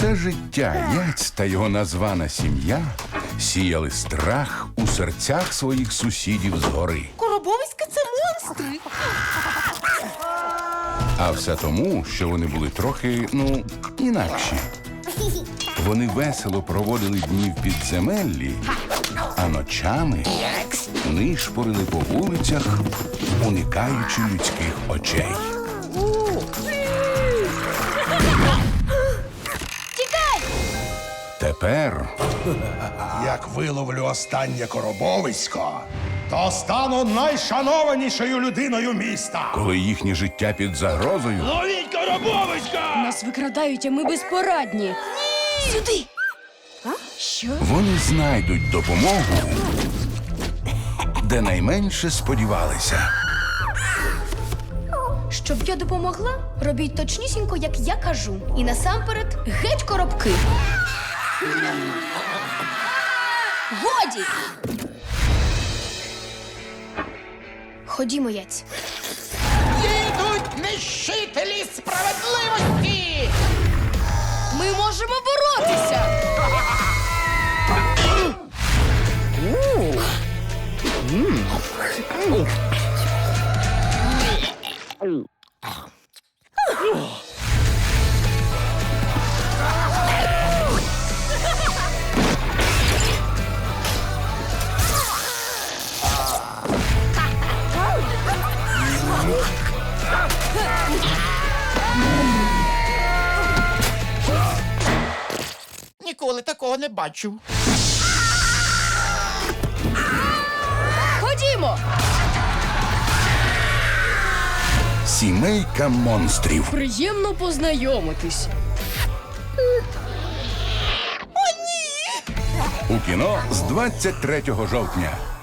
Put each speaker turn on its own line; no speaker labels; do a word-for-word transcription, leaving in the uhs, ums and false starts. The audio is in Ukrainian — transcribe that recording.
Усе життя Яць та його названа сім'я сіяли страх у серцях своїх сусідів згори.
Коробовиська – це монстри.
А все тому, що вони були трохи, ну, інакші. Вони весело проводили дні в підземеллі, а ночами нишпорили по вулицях, уникаючи людських очей.
Тікай!
Тепер
Як виловлю останнє коробовисько, то стану найшанованішою людиною міста.
коли їхнє життя під загрозою,
Ловіть коробовиська!
Нас викрадають, а ми безпорадні. Сюди! Що?
вони знайдуть допомогу, де найменше сподівалися.
Щоб я допомогла, робіть точнісінько, як я кажу. І насамперед геть коробки. Годі! Ходімо, Яць.
Їдуть нищителі справедливості!
Ми можемо боротися!
Ніколи такого не бачив.
Ходімо!
Сімейка монстрів.
Приємно познайомитись.
У кіно з двадцять третього жовтня.